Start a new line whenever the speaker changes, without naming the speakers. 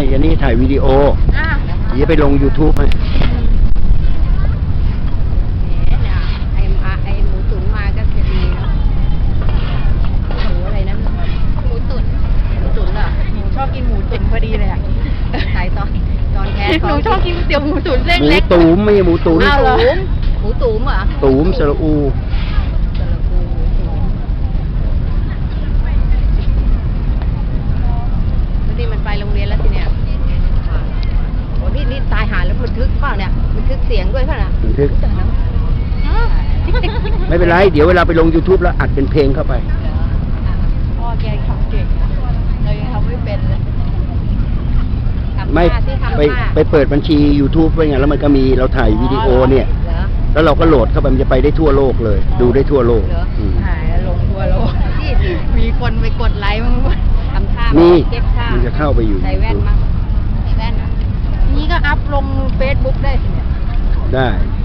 อันนี้ถ่ายวิดีโอเดี๋ยวไปลง YouTube ให้
ไอหมูตุ๋นมาก็จะดีเนาะหมูอะไรนะหมูตุ๋นเหรอหนูชอบกินหมูตุ๋นพอดีเลยอ่ะใส่ตอนแคสหนูชอบกินเตี๋ยวหมูตุ๋นเส้นเล็ก
หมูตุ๋มไม่ใช่หมูตุ๋น
อ้าวเหรอหมูตุ๋มเหรอ
ตุ๋มสระอู
นี่มันไปโรงเรียนแล้วสิเนี่ยโอ้นี่ตายหาแล้วบันทึกเปล่าเนี่ยบันทึกเสียงด้วยเปล่าล่ะ
บันทึกไม่เป็นไรเดี๋ยวเวลาไปลง YouTube แล้วอัดเป็นเพลงเข้าไป
พ่อแกทำเก่งเรายังทำไม่เป็นเลย
ไม่ไปเปิดบัญชี YouTube ไว้ไงแล้วมันก็มีเราถ่ายวิดีโอเนี่ยแล้วเราก็โหลดเข้าไปมันจะไปได้ทั่วโลกเลยดูได้ทั่วโลก
ถ่ายแล้วลงทั่วโลกมีคนไปกดไลค์มั้งทำท่าเก็บท่า
มันจะเข้าไปอยู่
ใส่แว่นมั้งใส่แว่นนี่ก็อัพลง Facebook ได้สิเนี่ย
ได้